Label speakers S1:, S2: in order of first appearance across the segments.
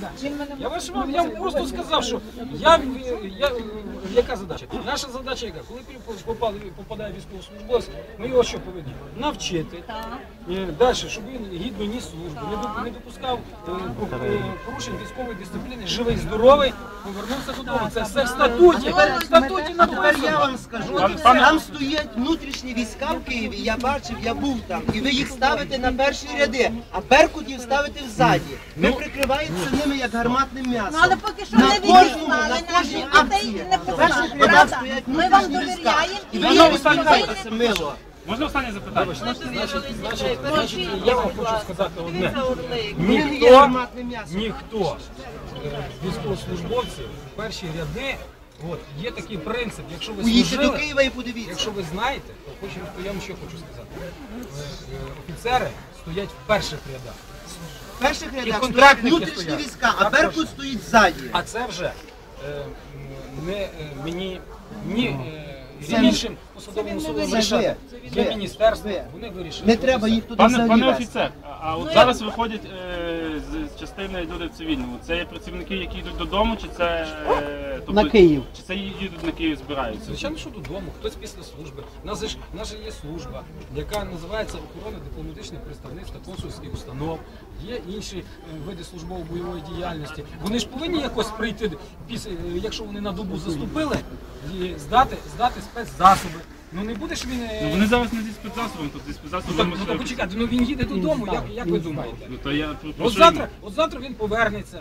S1: Я вам просто сказав, що яка задача? Наша задача яка? Коли попадає військовослужбовець, ми його що повинні? Навчити. Далі, щоб він гідно ніс службу, не допускав порушень військової дисципліни, живий, здоровий, повернувся додому. Це все в статуті. В статуті написано.
S2: Я вам скажу, там стоять внутрішні війська в Києві, я бачив, я був там, і ви їх ставите на перші ряди, а беркутів ставите взаді. Ви прикриваєтеся ними як гарматним м'ясом.
S3: Але поки що не відіслали наші дітей, не
S2: Перших рядах стоять внутрішні війська, і ви їх відбуваєтеся мило.
S4: Можна останнє запитання?
S1: Значить, я вам хочу сказати одне. Ніхто з військовослужбовців в перші ряди, є такий принцип, якщо ви
S2: Поїдьте до Києва і подивіться.
S1: якщо ви знаєте, то я вам ще хочу сказати. Офіцери стоять в перших рядах.
S2: В перших рядах стоять внутрішні війська, а Беркут стоїть ззаді.
S1: А це вже не мені, ні іншим посадовим особам вирішати. Є міністерство, вони вирішили.
S2: Не треба їх туди взагалі
S4: Пане
S2: вести.
S4: офіцер, а от зараз виходять з частини люди в цивільному. Це є працівники, які йдуть додому, чи це
S2: На Київ.
S4: Чи це їдуть на Київ, збираються?
S1: Звичайно, що додому, хтось після служби. У нас же є служба, яка називається охорона дипломатичних представництв та консульських установ. Є інші види службово-бойової діяльності. Вони ж повинні якось прийти, якщо вони на добу заступили, і здати спецзасоби. Ну не буде ж він...
S4: Вони зараз не зі спецзасобом, тут зі спецзасобом...
S1: Ну почекайте, він їде додому, як ви думаєте?
S4: От
S1: завтра він повернеться.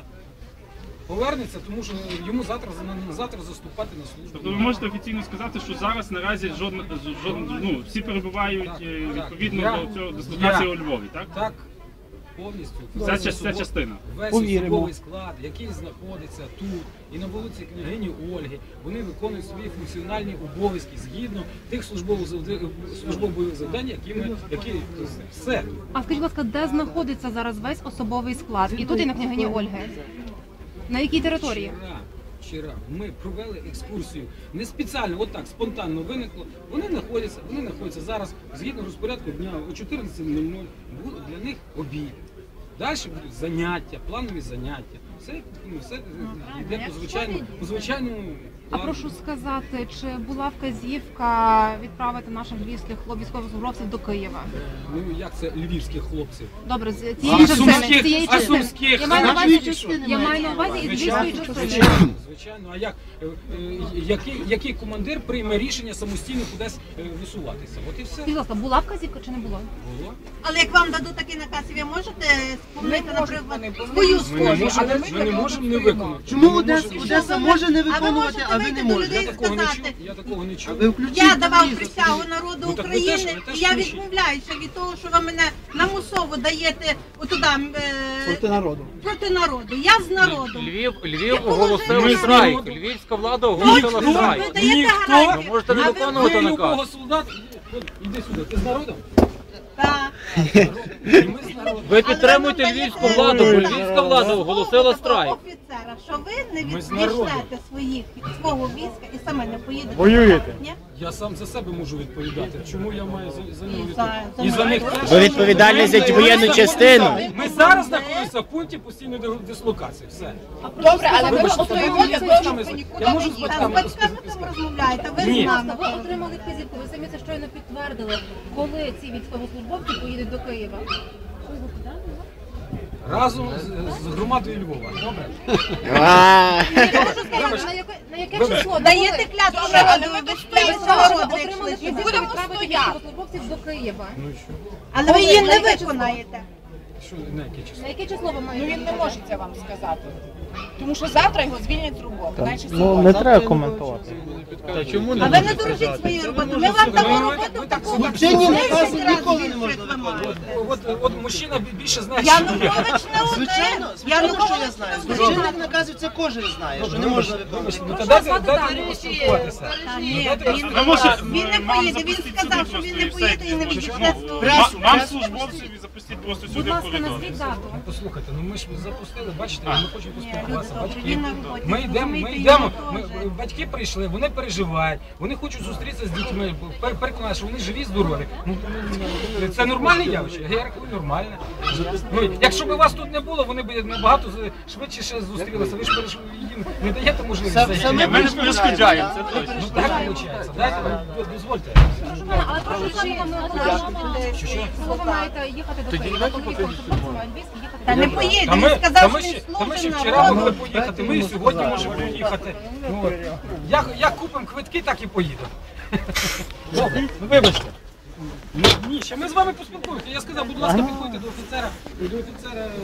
S1: Тому що йому завтра заступати на службу.
S4: Тобто ви можете офіційно сказати, що зараз наразі всі перебувають відповідно до цього дислокації у Львові, так?
S1: Так, повністю.
S4: Ця частина.
S1: Весь особовий склад, який знаходиться тут і на вулиці Княгині Ольги, вони виконують свої функціональні обов'язки згідно тих службових завдань, які все.
S5: А скажіть, будь ласка, де знаходиться зараз весь особовий склад? І тут, і на Княгині Ольги? На якій території?
S1: Вчора ми провели екскурсію, не спеціально, спонтанно виникло. Вони знаходяться зараз, згідно розпорядку дня, о 14:00 для них обід. Далі будуть заняття, планові заняття. Все йде по звичайному плану.
S5: А прошу сказати, чи була вказівка відправити наших львівських військовослужбовців до Києва?
S1: Ну як це львівських хлопців?
S5: Добре, з цієї частини. Я маю на увазі із львівської частини.
S1: Звичайно, а який командир прийме рішення самостійно кудись висуватися? От і все.
S5: Будь ласка, була вказівка чи не було?
S1: Було.
S3: Але як вам дадуть такий наказ, ви можете спомнити, наприклад, свою схожу?
S1: Ми не можемо не виконати.
S2: Чому Одеса може не виконувати, а ви не можете?
S1: Я такого не чув.
S3: Я давав присягу народу України, і я відмовляюся від того, що ви мене намусово даєте отуда проти народу. Я з народом.
S6: Львів оголосив страйк. Львівська влада оголосила страйк.
S3: Ви даєте гарантію.
S6: Можете не виконувати наказ.
S1: Іди сюди, ти з народом?
S3: Так.
S6: Ви підтримуєте львівську владу, бо львівська влада оголосила страйк.
S3: Офіцера, що ви не відійшлете свого війська і саме не поїдете.
S7: Воюєте?
S1: Я сам за себе можу відповідати. Чому я маю за нього відповідати? І за них теж.
S7: Ви відповідальні за воєнну частину.
S1: Ми зараз знаходимося в пункті постійної дислокації. Все.
S3: Добре, але ви
S1: Я можу з батьками
S3: там розмовляєте, ви з нами.
S5: Ви отримали вказівку, ви самі це щойно підтвердили, коли ці військовослужбовці поїдуть до Києва.
S1: Разом з громадою Львова. Добре?
S5: Я можу сказати, на яке число?
S3: Даєте клятву народу, ви стоїть народу.
S5: Отримали вказівку відправити військовослужбовців до Києва.
S3: Але ви її не виконаєте.
S1: Що, на яке число?
S5: На яке число ви маєте?
S8: Він не може це вам сказати. Тому що завтра його звільнять з роботи.
S7: Ну не треба коментувати.
S6: Та чому
S3: А ви не дорожіть своєю роботою. Ми вам дамо роботу таку.
S2: Злочинні накази ніколи не можна виконувати.
S1: От мужчина більше знає,
S3: Янукович не один.
S2: Звичайно, що я знаю. Злочинних наказів це кожен знає, що не можна виконувати.
S1: Ну дайте йому поспілкуватися.
S3: Ні, він не поїде, він сказав, що він не поїде і не відійде з того.
S4: Вам службовців і запустіть просто
S5: Будь
S4: сюди в
S5: ласка,
S4: коридор.
S5: назвіть дату.
S1: Послухайте, ну ми ж запустили, бачите, ми хочемо поспілкуватися. нас батьки.
S3: Він на роботі,
S1: Ми
S3: розумієте,
S1: йдемо,
S3: йому теж.
S1: батьки прийшли, вони переживають, вони хочуть зустрітися з дітьми, переконати, що вони живі, здорові. Це нормальне явище? Я рахую, нормальне. Якщо б вас тут не було, вони б набагато швидше ще зустрілися. Ви ж їм не даєте можливість зайти.
S6: Ми не перешкоджаємо, це точно.
S1: Ну так виходить. Дайте, дозвольте.
S5: Але прошу, коли ви маєте їхати до Києва, коли ви хлопцями львівські їхати
S3: Та
S5: до
S3: не
S5: Києва.
S3: поїде,
S1: Та
S3: він
S1: ми
S3: сказав, що
S1: ще
S3: він
S1: вчора
S3: служить
S1: могли
S3: народу.
S1: поїхати, ми і сьогодні можемо поїхати. Ну, от. Як купимо квитки, так і поїдемо. Добре, ну вибачте. Ні, ще ми з вами поспілкуємося. Я сказав, будь ласка, підходьте до офіцера.